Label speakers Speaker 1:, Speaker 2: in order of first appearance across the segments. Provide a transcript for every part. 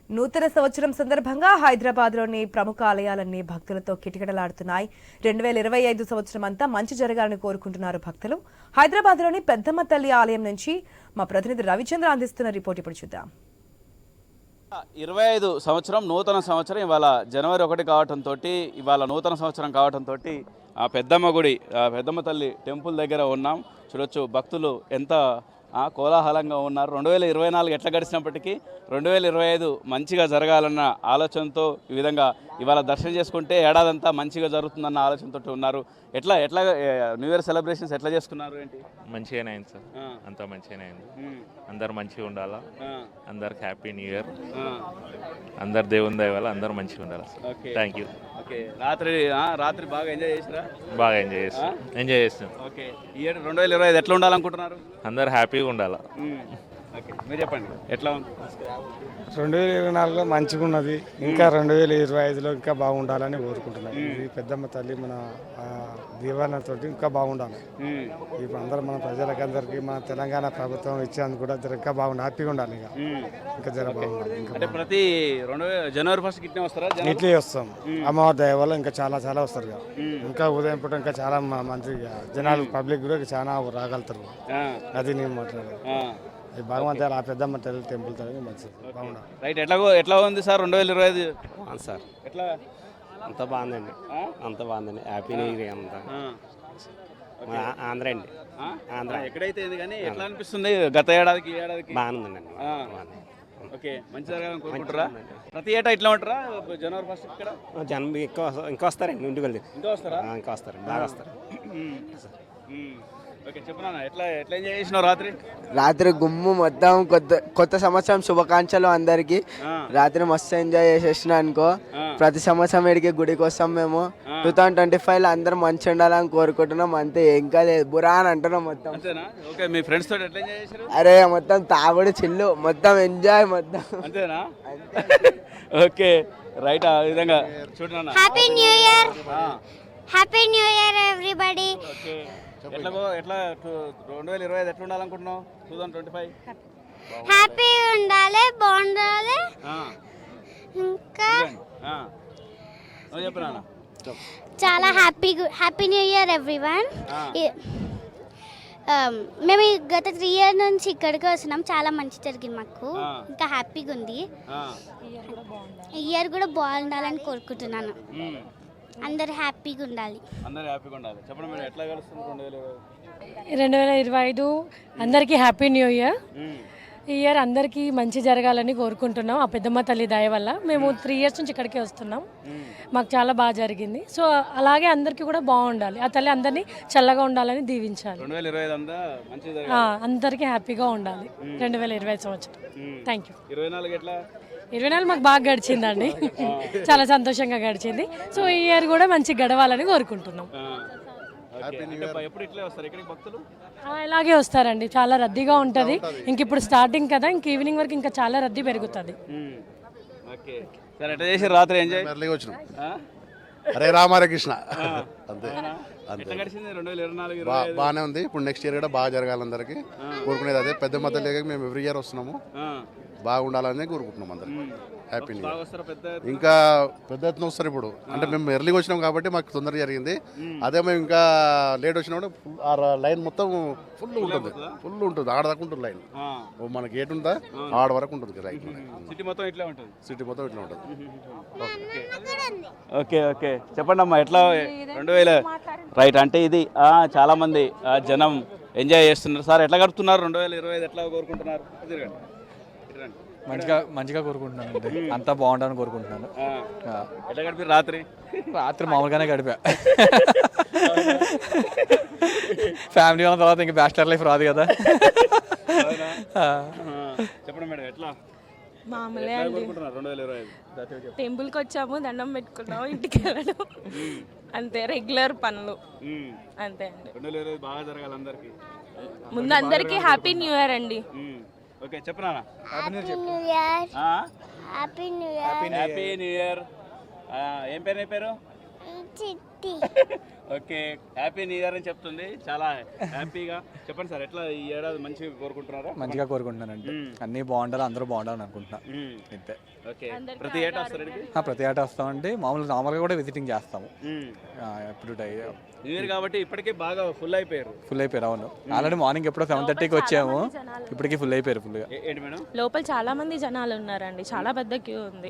Speaker 1: నూతన సంవత్సరం సందర్భంగా హైదరాబాద్లోని ప్రముఖ ఆలయాలన్నీ భక్తులతో కిటకిటలాడుతున్నాయి. 2025 సంవత్సరం అంతా మంచి జరగాలని కోరుకుంటున్నారు భక్తులు. హైదరాబాద్లోని పెద్దమ్మ తల్లి ఆలయం నుంచి మా ప్రతినిధి రవిచంద్ర అందిస్తున్న రిపోర్ట్ ఇప్పుడు చూద్దాం.
Speaker 2: 25 సంవత్సరం నూతన సంవత్సరం ఇవాళ జనవరి 1 కావడంతో ఇవాళ నూతన సంవత్సరం కావడంతో ఆ పెద్దమ్మ గుడి పెద్దమ్మ తల్లి టెంపుల్ దగ్గర ఉన్నాం. చూడొచ్చు భక్తులు ఎంత కోలాహలంగా ఉన్నారు. 2024 ఎట్లా గడిచినప్పటికీ 2025 మంచిగా జరగాలన్న ఆలోచనతో ఈ విధంగా ఇవాళ దర్శనం చేసుకుంటే ఏడాదంతా మంచిగా జరుగుతుందన్న ఆలోచనతో ఉన్నారు. ఎట్లా న్యూ ఇయర్ సెలబ్రేషన్స్ ఎట్లా చేసుకున్నారు ఏంటి?
Speaker 3: మంచిగానే అయింది సార్, అంతా మంచిగానే అయింది. అందరు మంచిగా ఉండాలా, అందరికి హ్యాపీ న్యూ ఇయర్, అందరు దేవుని దయ వల్ల అందరు మంచిగా ఉండాలి. Thank you.
Speaker 2: ఓకే, రాత్రి బాగా ఎంజాయ్ చేసిరా?
Speaker 3: బాగా ఎంజాయ్ చేస్తాం.
Speaker 2: ఓకే, ఈ ఏడు 2025 ఎట్లా ఉండాలనుకుంటున్నారు?
Speaker 3: అందరు హ్యాపీగా ఉండాలా.
Speaker 2: ఓకే, మీరు చెప్పండి ఎట్లా ఉంది?
Speaker 4: 2024లో మంచిగా ఉన్నది, ఇంకా 2025లో ఇంకా బాగుండాలని కోరుకుంటున్నాను. ఇది పెద్దమ్మ తల్లి మన దీవెనతో ఇంకా బాగుండాలి. ఇప్పుడు అందరూ మన ప్రజలకందరికీ మన తెలంగాణ ప్రభుత్వం ఇచ్చేందుకు కూడా ఇంకా బాగుండాలి, హ్యాపీగా ఉండాలి. ఇంకా జర బాగుండాలి.
Speaker 2: అంటే ప్రతి జనవరి 1 ఇట్లే వస్తారా?
Speaker 4: ఇట్లే వస్తాం. అమ్మవారి దయ వల్ల ఇంకా చాలా వస్తారు. ఇంకా ఉదయం పూట ఇంకా చాలా మంచిగా జనాలు పబ్లిక్ కూడా చాలా రాగలుగుతారు. అది నేను మాట్లాడేది. భగవంతుడు ఆ పెద్దమ్మ తల్లి టెంపుల్ మంచిది, బాగుండాలి.
Speaker 2: రైట్, ఎట్లా ఉంది సార్ 2025?
Speaker 5: సార్
Speaker 2: ఎట్లా?
Speaker 5: అంత బాగుందండి, అంత బాగుందండి. హ్యాపీ న్యూ ఇయర్ అంతా. ఆంధ్ర అండి, ఆంధ్ర.
Speaker 2: ఎక్కడైతే కానీ ఎట్లా అనిపిస్తుంది గత ఏడాదికి ఈ ఏడాదికి?
Speaker 5: బాగుందండి.
Speaker 2: ఓకే, మంచి జరగాలని కోరుకుంటారా? ప్రతి ఏటా ఇట్లా ఉంటారా జనవరి 1 ఇక్కడ?
Speaker 5: జనం ఇంకా వస్తారండి, ఇంటికి వెళ్తే
Speaker 2: ఇంకా వస్తారా?
Speaker 5: ఇంకా వస్తారు, బాగా వస్తారు.
Speaker 2: ఓకే, చెప్పనా ఎట్లా ఎంజాయ్ చేసినావు
Speaker 6: రాత్రి గుమ్ము మొత్తం. కొత్త సంవత్సరం శుభాకాంక్షలు అందరికి. రాత్రి మస్తు ఎంజాయ్ చేసేసిన అనుకో. ప్రతి సంవత్సరం ఇడికి గుడికి వస్తాం మేము. 2025లో అందరూ మంచి ఉండాలని కోరుకుంటున్నాం. అంతే, ఇంకా లేదు బురా అని అంటున్నాం మొత్తం.
Speaker 2: ఓకే, మీ ఫ్రెండ్స్ తోటి ఎట్లా ఎంజాయ్ చేశారు?
Speaker 6: అరే మొత్తం తాగుడు చిల్లు మొత్తం ఎంజాయ్ మొత్తం.
Speaker 2: అంతేనా? Okay, right. ఆ విధంగా చూడనా.
Speaker 7: Happy new year, happy new year everybody.
Speaker 2: Okay, ఎట్లా 2025 ఎట్లా ఉండాలనుకుంటున్నావు? 2025
Speaker 7: హ్యాపీ ఉండాలి, బాగుండాలి. ఇంకా
Speaker 2: చెప్పనా
Speaker 7: చాలా హ్యాపీ న్యూ ఇయర్ ఎవ్రీవన్. మేము గత 3 years నుంచి ఇక్కడికి వస్తున్నాం. చాలా మంచి జరిగింది మాకు, ఇంకా హ్యాపీగా ఉంది. ఈ ఇయర్ కూడా బాగుండాలని కోరుకుంటున్నాను. అందరు హ్యాపీగా ఉండాలి.
Speaker 2: చెప్పండి మేడం, ఎట్లా కలుస్తుంది
Speaker 8: 2025? అందరికీ హ్యాపీ న్యూ ఇయర్. ఈ ఇయర్ అందరికీ మంచి జరగాలని కోరుకుంటున్నాం. ఆ పెద్దమ్మ తల్లి దయ వల్ల మేము 3 years నుంచి ఇక్కడికే వస్తున్నాం. మాకు చాలా బాగా జరిగింది. సో అలాగే అందరికీ కూడా బాగుండాలి. ఆ తల్లి అందరినీ చల్లగా ఉండాలని దీవించాలి.
Speaker 2: 2025
Speaker 8: అందరికీ హ్యాపీగా ఉండాలి 2025 సంవత్సరం. Thank you.
Speaker 2: 24
Speaker 8: మాకు బాగా గడిచిందండి, చాలా సంతోషంగా గడిచింది. సో ఈ ఇయర్ కూడా మంచి గడవాలని కోరుకుంటున్నాం. ఇలాగే వస్తారండి, చాలా రద్దీగా ఉంటుంది. ఇంక ఇప్పుడు స్టార్టింగ్ కదా, ఇంక ఈవినింగ్ వరకు ఇంకా చాలా రద్దీ పెరుగుతుంది.
Speaker 2: రాత్రి ఎంజాయ్
Speaker 9: హరే రామ హరే కృష్ణ. అంతే,
Speaker 2: బాగానే
Speaker 9: ఉంది. ఇప్పుడు నెక్స్ట్ ఇయర్ కూడా బాగా జరగాలి, అందరికి కోరుకునేది అదే. పెద్దమ్మ తల్లి మేము ఎవ్రీ ఇయర్ వస్తున్నాము, బాగుండాలని కోరుకుంటున్నాం అందరు. Happy new year. ఇంకా పెద్ద ఎత్తున వస్తారు ఇప్పుడు. అంటే మేము ఎర్లీగా వచ్చినాం కాబట్టి మాకు తొందరగా జరిగింది. అదే మేము ఇంకా లేట్ వచ్చినప్పుడు ఆ లైన్ మొత్తం ఫుల్ ఉంటుంది ఆడదాకా ఉంటుంది లైన్. మన గేట్ ఉందా ఆడ వరకు ఉంటుంది లైన్.
Speaker 2: సిటీ మొత్తం ఇట్లా ఉంటుంది. ఓకే, చెప్పండి అమ్మా ఎట్లా 2000 రైట్. అంటే ఇది చాలా మంది జనం ఎంజాయ్ చేస్తున్నారు. సార్ ఎట్లా గడుపుతున్నారు 2025 ఎట్లా కోరుకుంటున్నారు?
Speaker 10: మంచిగా కోరుకుంటున్నాను అండి, అంతా బాగుండాలని కోరుకుంటున్నాను.
Speaker 2: ఎట్లా గడిపారు రాత్రి?
Speaker 10: మామూలుగానే గడిపా. ఫ్యామిలీ ఉన్న తర్వాత ఇంకా బ్యాచిలర్ లైఫ్ రాదు కదా.
Speaker 2: చెప్పండి మేడం, ఎట్లా
Speaker 11: మామూలే అండి.
Speaker 2: 2025
Speaker 11: టెంపుల్కి వచ్చాము, దండం పెట్టుకున్నాము, ఇంటికి వెళ్ళడం అంతే. రెగ్యులర్ పనులు అంతే అండి.
Speaker 2: 2025 బాగా జరగాలి అందరికి.
Speaker 11: ముందు అందరికీ హ్యాపీ న్యూ ఇయర్ అండి.
Speaker 2: ఓకే, చెప్పనా.
Speaker 7: Happy new year, happy new year.
Speaker 2: ఏం పేరు?
Speaker 7: చిట్టి
Speaker 2: ఓకే, హ్యాపీ న్యూ ఇయర్ అని చెప్తుంది, చాలా హ్యాపీగా. చెప్పండి సార్, ఎట్లా ఈ ఏడాది మంచిగా కోరుకుంటున్నారా?
Speaker 10: మంచిగా కోరుకుంటున్నానండి. అన్నీ బాగుండాలి, అందరూ బాగుండాలని అనుకుంటున్నా. ఇంతే.
Speaker 2: ఓకే, ప్రతి ఏటా వస్తారు ఇక్కడికి?
Speaker 10: ప్రతి ఏటా వస్తామండి. నార్మల్గా కూడా విజిటింగ్ చేస్తాము. ఎప్పుడు
Speaker 2: న్యూ ఇయర్ కాబట్టి ఇప్పటికే బాగా ఫుల్ అయిపోయారు.
Speaker 10: అవును. ఆల్రెడీ మార్నింగ్ ఎప్పుడో 7:30కి వచ్చాము, ఇప్పటికి ఫుల్ అయిపోయారు. ఫుల్గా.
Speaker 2: ఏంటి మేడం?
Speaker 11: లోపల చాలా మంది జనాలు ఉన్నారండి, చాలా పెద్ద క్యూ ఉంది.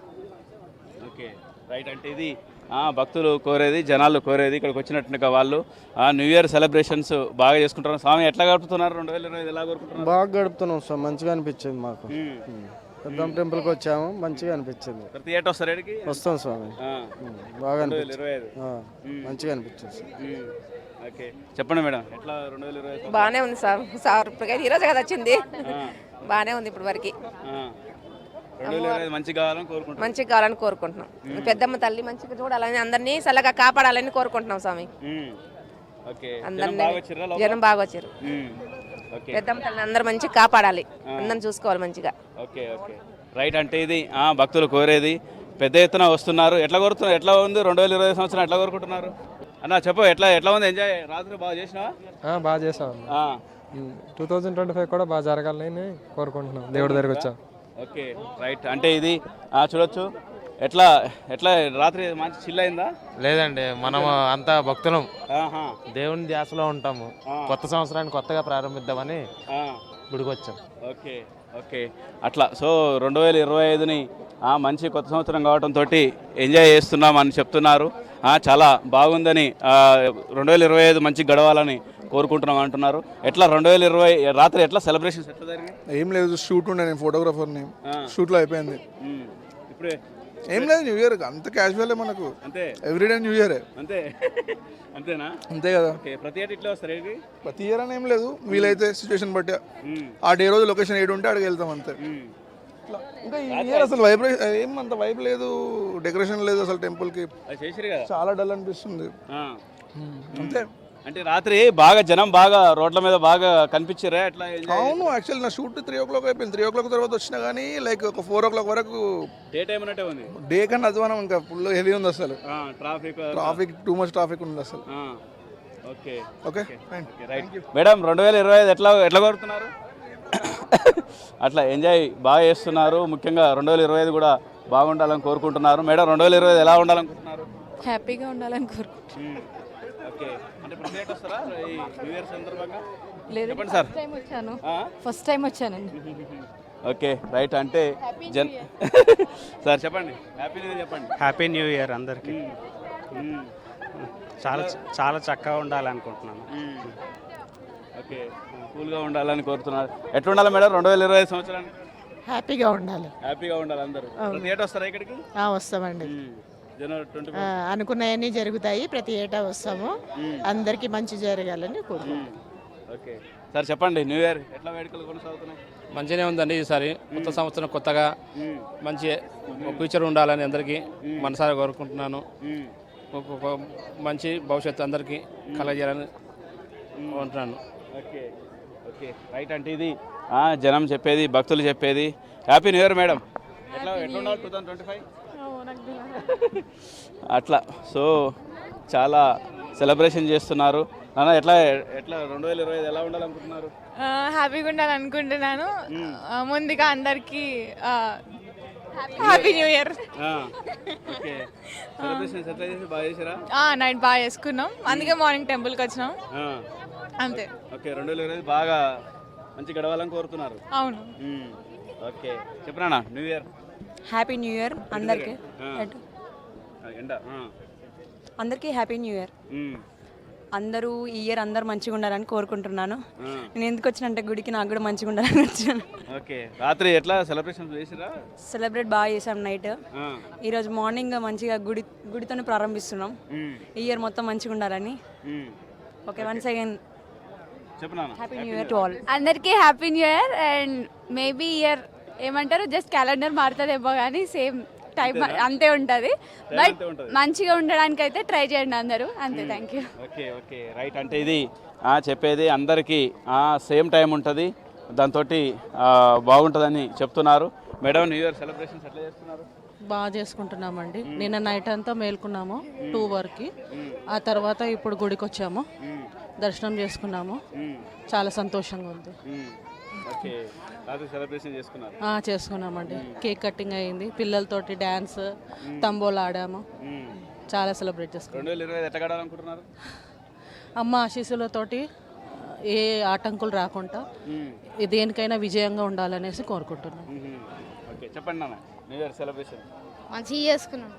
Speaker 2: Okay, right. అంటే ఇది భక్తులు కోరేది, జనాలు కోరేది, ఇక్కడికి వచ్చినట్టుగా వాళ్ళు న్యూ ఇయర్ సెలబ్రేషన్స్ బాగా చేసుకుంటున్నారు. స్వామి ఎట్లా గడుపుతున్నారు? 2025 ఎలా కోరుకుంటున్నారు?
Speaker 4: బాగా గడుపుతున్నాం సార్, మంచిగా అనిపించింది మాకు. పెద్దమ్మ టెంపుల్కి వచ్చాము, మంచిగా అనిపించింది.
Speaker 2: ప్రతి ఏటా వస్తారు ఇక్కడికి?
Speaker 4: వస్తాం స్వామి, బాగా అనిపించింది.
Speaker 2: 2025
Speaker 4: మంచిగా అనిపించింది సార్.
Speaker 2: ఓకే, చెప్పండి మేడం, ఎట్లా 2025?
Speaker 12: బాగానే ఉంది సార్ ఈరోజు కదా వచ్చింది, బాగానే ఉంది ఇప్పుడు వరకు.
Speaker 2: 2025 మంచిగా కావాలని కోరుకుంటున్నాం.
Speaker 12: మంచిగా కావాలని కోరుకుంటున్నాం. పెద్దమ్మ తల్లి మంచిగా చూడాలని, అందరినీ చల్లగా కాపాడాలని కోరుకుంటున్నాం స్వామి.
Speaker 2: ఓకే,
Speaker 12: అందరినీ జనం బాగా వచ్చారు. పెద్దమ్మ తల్లిని అందరూ మంచిగా కాపాడాలి, అందరిని చూసుకోవాలి మంచిగా.
Speaker 2: Okay okay, right. అంటే ఇది భక్తులు కోరేది, పెద్ద ఎత్తున వస్తున్నారు. ఎట్లా కోరుతున్నారు? ఎట్లా ఉంది 2025 సంవత్సరం? ఎట్లా కోరుకుంటున్నారు అన్న? చెప్పు, ఎట్లా ఉంది ఎంజాయ్? రాత్రి బాగా చేసినావా?
Speaker 4: బాగా చేసాం. 2025 కూడా బాగా జరగాలని కోరుకుంటున్నాం, దేవుడి దగ్గరికి వచ్చాం.
Speaker 2: Okay, right. అంటే ఇది చూడొచ్చు, ఎట్లా రాత్రి మంచి చిల్ అయిందా?
Speaker 5: లేదండి, మనం అంతా భక్తులం, దేవుని ధ్యాసలో ఉంటాము. కొత్త సంవత్సరాన్ని కొత్తగా ప్రారంభిద్దామని గుడికి వచ్చాం.
Speaker 2: ఓకే ఓకే, అట్లా. సో 2025ని మంచి కొత్త సంవత్సరం కావడంతో ఎంజాయ్ చేస్తున్నాం అని చెప్తున్నారు. చాలా బాగుందని, 2025 మంచి గడవాలని కోరుకుంటున్నాం అంటున్నారు. ఎట్లా 2020 రాత్రి ఎట్లా సెలబ్రేషన్స్ ఎట్లా జరిగింది?
Speaker 4: ఏం లేదు, షూట్ ఉండే, నేను ఫోటోగ్రాఫర్ని. షూట్లో అయిపోయింది.
Speaker 2: ఇప్పుడే
Speaker 4: ఏం లేదు, న్యూ ఇయర్ అంత క్యాజువల్ మనకు,
Speaker 2: అంతే,
Speaker 4: ఎవ్రీడే న్యూ ఇయర్.
Speaker 2: అంతేనా? అంతే
Speaker 4: కదా.
Speaker 2: ప్రతి ఏటా ఇట్లా వస్తారు ఏంటి?
Speaker 4: ప్రతి ఇయర్ అని ఏం లేదు, వీలైతే సిచ్యువేషన్ బట్టి ఆ డే రోజు లొకేషన్ ఏడు ఉంటే అక్కడికి వెళ్తాం అంతే. ఇంకా ఈ ఇయర్ అసలు వైబ్రేషన్ ఏమంత వైబ్ లేదు, డెకరేషన్ లేదు అసలు టెంపుల్కి, చాలా డల్ అనిపిస్తుంది అంతే.
Speaker 2: అంటే రాత్రి బాగా జనం బాగా రోడ్ల మీద బాగా కనిపించారా? ఎట్లా?
Speaker 4: అవును, యాక్చువల్లీ నా షూట్ 3 o'clock అయిపోయింది. 3 o'clock తర్వాత వచ్చినా కానీ లైక్ ఒక 4 o'clock వరకు
Speaker 2: డే టైం అన్నట్టే ఉంది.
Speaker 4: డే కన్నా అధ్వానం, ఇంకా ఫుల్ హెవీ ఉంది అసలు.
Speaker 2: ట్రాఫిక్
Speaker 4: టూ మచ్ ట్రాఫిక్ ఉంది అసలు.
Speaker 2: Okay
Speaker 4: okay,
Speaker 2: right. మేడం 2025 ఎట్లా కోరుతున్నారు? అట్లా ఎంజాయ్ బాగా చేస్తున్నారు. ముఖ్యంగా 2025 కూడా బాగుండాలని కోరుకుంటున్నారు. మేడం 2025 ఎలా ఉండాలనుకుంటున్నారు?
Speaker 11: హ్యాపీగా ఉండాలని కోరుకుంటున్నాను.
Speaker 2: ఓకే, అంటే ప్రతి ఏటా వస్తారా ఈ న్యూ ఇయర్ సందర్భంగా?
Speaker 11: లేదు,
Speaker 2: చెప్పండి సార్.
Speaker 11: ఫస్ట్ టైం వచ్చానండి.
Speaker 2: Okay, right. అంటే సార్ చెప్పండి, హ్యాపీ న్యూ ఇయర్ చెప్పండి.
Speaker 5: హ్యాపీ న్యూ ఇయర్ అందరికీ. చాలా చక్కగా ఉండాలనుకుంటున్నాను.
Speaker 2: ఓకే, కూల్గా ఉండాలని కోరుతున్నారు. ఎట్లా ఉండాలి మేడం 2025 సంవత్సరానికి?
Speaker 12: హ్యాపీగా ఉండాలి.
Speaker 2: హ్యాపీగా ఉండాలి అందరూ. ప్రతి ఏటా వస్తారా ఇక్కడికి?
Speaker 12: వస్తామండి,
Speaker 2: జనవరి 20.
Speaker 12: అనుకున్నవన్నీ జరుగుతాయి, ప్రతి ఏటా వస్తాము. అందరికీ మంచి జరగాలని కోరుకుంటున్నాం.
Speaker 2: ఓకే సార్, చెప్పండి, న్యూ ఇయర్ ఎట్లా వేడుకలు కొనసాగుతున్నాయి?
Speaker 5: మంచిగానే ఉందండి. ఈసారి కొత్త సంవత్సరం కొత్తగా మంచి ఫ్యూచర్ ఉండాలని అందరికీ మనసారా కోరుకుంటున్నాను. ఒక మంచి భవిష్యత్తు అందరికీ కలగజేయాలని కోరుకుంటున్నాను.
Speaker 2: Okay okay, right. అంటే ఇది జనం చెప్పేది, భక్తులు చెప్పేది. Happy new year madam. ఎట్లా ఉండాలి 2025? అట్లా. సో చాలా సెలబ్రేషన్ చేస్తున్నారు. నాన్న ఎట్లా 2025 ఎలా ఉండాలనుకుంటున్నారు?
Speaker 11: హ్యాపీగా ఉండాలనుకుంటున్నాను. ముందుగా అందరికీ happy new year.
Speaker 2: Okay, celebrations ఎట్లా చేసి బాగా చేసారా?
Speaker 11: నైట్ బాగా చేసుకున్నాం, అందుకే మార్నింగ్ టెంపుల్కి వచ్చినాం అంతే.
Speaker 2: ఓకే, 2025 బాగా మంచి గడవాలని కోరుతున్నారు.
Speaker 11: అవును.
Speaker 2: ఓకే, చెప్పనా new year?
Speaker 12: Happy new year అందరికీ.
Speaker 11: అందరికీ హ్యాపీ న్యూ ఇయర్. అందరూ ఈ ఇయర్ అందరూ మంచిగా ఉండాలని కోరుకుంటున్నాను. నేను ఎందుకు వచ్చినంటే గుడికి, నాకు కూడా మంచిగా ఉండాలని వచ్చాను.
Speaker 2: ఓకే, రాత్రి ఎట్లా సెలబ్రేషన్ చేసిరా?
Speaker 11: సెలబ్రేట్ బాగా చేసాం నైట్. ఈరోజు మార్నింగ్ మంచిగా గుడితోనే ప్రారంభిస్తున్నాం. ఈ ఇయర్ మొత్తం మంచిగా ఉండాలని. Okay, once again happy new year to all.
Speaker 7: అందరికీ happy new year. And maybe year ఏమంటారు, జస్ట్ క్యాలెండర్ మారుతుందేమో కానీ సేమ్ టైం అంతే ఉంటుంది. బట్ మంచిగా ఉండడానికి అయితే ట్రై చేయండి అందరూ, అంతే. Thank you.
Speaker 2: Okay okay, right. అంటే ఇది చెప్పేది అందరికీ సేమ్ టైం ఉంటుంది, దాంతో బాగుంటుందని చెప్తున్నారు. మేడం న్యూ ఇయర్ సెలబ్రేషన్స్ ఎట్లా చేస్తున్నారు?
Speaker 13: బాగా చేసుకుంటున్నామండి. నిన్న నైట్ అంతా మేల్కున్నాము 2 వరకు. ఆ తర్వాత ఇప్పుడు గుడికి వచ్చాము, దర్శనం చేసుకున్నాము. చాలా సంతోషంగా ఉంది.
Speaker 2: ఓకే, రాత్రి సెలబ్రేషన్ చేసుకున్నారు?
Speaker 13: చేసుకున్నామండి. కేక్ కటింగ్ అయింది, పిల్లలతోటి డ్యాన్స్, తంబోలా ఆడాము. చాలా సెలబ్రేట్ చేసుకున్నాం.
Speaker 2: 2025 ఎట్లా గడాలనుకుంటున్నారు?
Speaker 13: అమ్మ ఆశీస్సులతోటి ఏ ఆటంకులు రాకుండా దేనికైనా విజయంగా ఉండాలనేసి కోరుకుంటున్నాం.
Speaker 2: ఓకే, చెప్పండి నాన్న, న్యూ ఇయర్ సెలబ్రేషన్
Speaker 7: మంచిగా చేసుకున్నాం.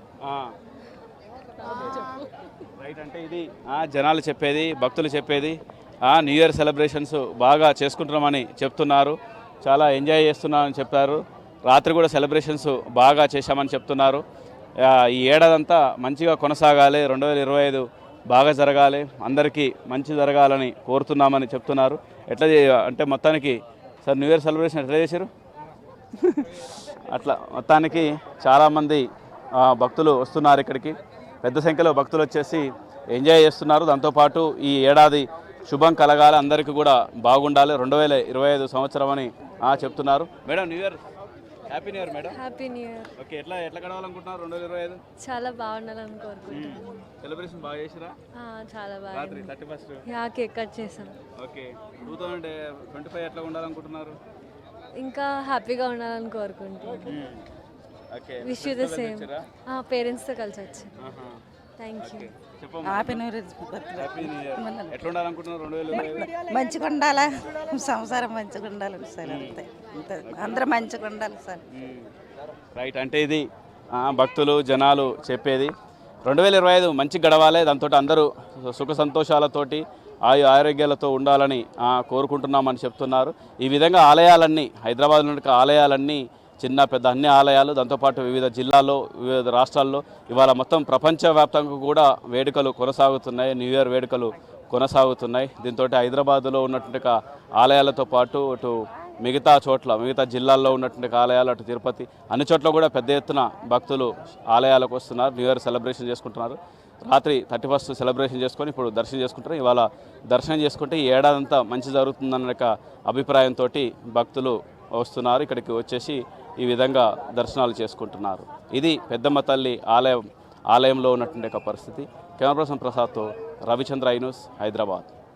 Speaker 2: రైట్, అంటే ఇది జనాలు చెప్పేది, భక్తులు చెప్పేది. న్యూ ఇయర్ సెలబ్రేషన్స్ బాగా చేసుకుంటున్నామని చెప్తున్నారు, చాలా ఎంజాయ్ చేస్తున్నామని చెప్పారు. రాత్రి కూడా సెలబ్రేషన్స్ బాగా చేశామని చెప్తున్నారు. ఈ ఏడాదంతా మంచిగా కొనసాగాలి, 2025 బాగా జరగాలి, అందరికీ మంచి జరగాలని కోరుతున్నామని చెప్తున్నారు. ఎట్లా అంటే మొత్తానికి సార్ న్యూ ఇయర్ సెలబ్రేషన్ ఎట్లా చేశారు? అట్లా మొత్తానికి చాలామంది భక్తులు వస్తున్నారు ఇక్కడికి, పెద్ద సంఖ్యలో భక్తులు వచ్చేసి ఎంజాయ్ చేస్తున్నారు. దాంతోపాటు ఈ ఏడాది శుభం కలగాలి, అందరికీ కూడా బాగుండాలి, 2025 సంవత్సరం అని చెప్తున్నారు. Madam new year, happy new year madam.
Speaker 8: Happy new year.
Speaker 2: Okay, ఎట్లా గడవాలనుకుంటున్నారు 2025?
Speaker 8: చాలా బాగుండాలని కోరుకుంటున్నాను.
Speaker 2: సెలబ్రేషన్ బాగా చేసిరా?
Speaker 8: చాలా బాగా.
Speaker 2: రాత్రి 31st
Speaker 8: కేక్ కట్ చేసాం.
Speaker 2: ఓకే, 2025 ఎట్లా ఉండాలనుకుంటున్నారు?
Speaker 8: ఇంకా హ్యాపీగా ఉండాలని కోరుకుంటున్నాను.
Speaker 2: Okay,
Speaker 8: wish you the same. పేరెంట్స్తో కలిసి వచ్చాను. Thank you.
Speaker 11: Happy new year.
Speaker 2: Happy new year. ఎట్లా ఉండాలనుకుంటున్నారు 2025?
Speaker 11: మంచిగా ఉండాలా, సంసారం మంచిగా ఉండాలి సార్. అంతే, అందరూ మంచిగా ఉండాలి సార్.
Speaker 2: రైట్, అంటే ఇది భక్తులు జనాలు చెప్పేది. 2025 మంచి గడవాలి, దాంతో అందరూ సుఖ సంతోషాలతోటి ఆరోగ్యాలతో ఉండాలని కోరుకుంటున్నామని చెప్తున్నారు. ఈ విధంగా ఆలయాలన్నీ, హైదరాబాద్లో ఉన్న ఆలయాలన్నీ, చిన్న పెద్ద అన్ని ఆలయాలు, దాంతోపాటు వివిధ జిల్లాల్లో, వివిధ రాష్ట్రాల్లో ఇవాళ మొత్తం ప్రపంచవ్యాప్తంగా కూడా వేడుకలు కొనసాగుతున్నాయి, న్యూ ఇయర్ వేడుకలు కొనసాగుతున్నాయి. దీంతో హైదరాబాదులో ఉన్నటువంటి ఆలయాలతో పాటు అటు మిగతా జిల్లాల్లో ఉన్నటువంటి ఆలయాలు, అటు తిరుపతి, అన్ని చోట్ల కూడా పెద్ద ఎత్తున భక్తులు ఆలయాలకు వస్తున్నారు, న్యూ ఇయర్ సెలబ్రేషన్ చేసుకుంటున్నారు. రాత్రి 31st సెలబ్రేషన్ చేసుకొని ఇప్పుడు దర్శనం చేసుకుంటారు. ఇవాళ దర్శనం చేసుకుంటే ఈ ఏడాదంతా మంచి జరుగుతుందన్న అభిప్రాయంతో భక్తులు వస్తున్నారు. ఇక్కడికి వచ్చేసి ఈ విధంగా దర్శనాలు చేసుకుంటున్నారు. ఇది పెద్దమ్మ తల్లి ఆలయంలో ఉన్నటువంటి పరిస్థితి. కెమెరా పర్సన్ ప్రసాద్తో రవిచంద్ర, ఐ న్యూస్, హైదరాబాద్.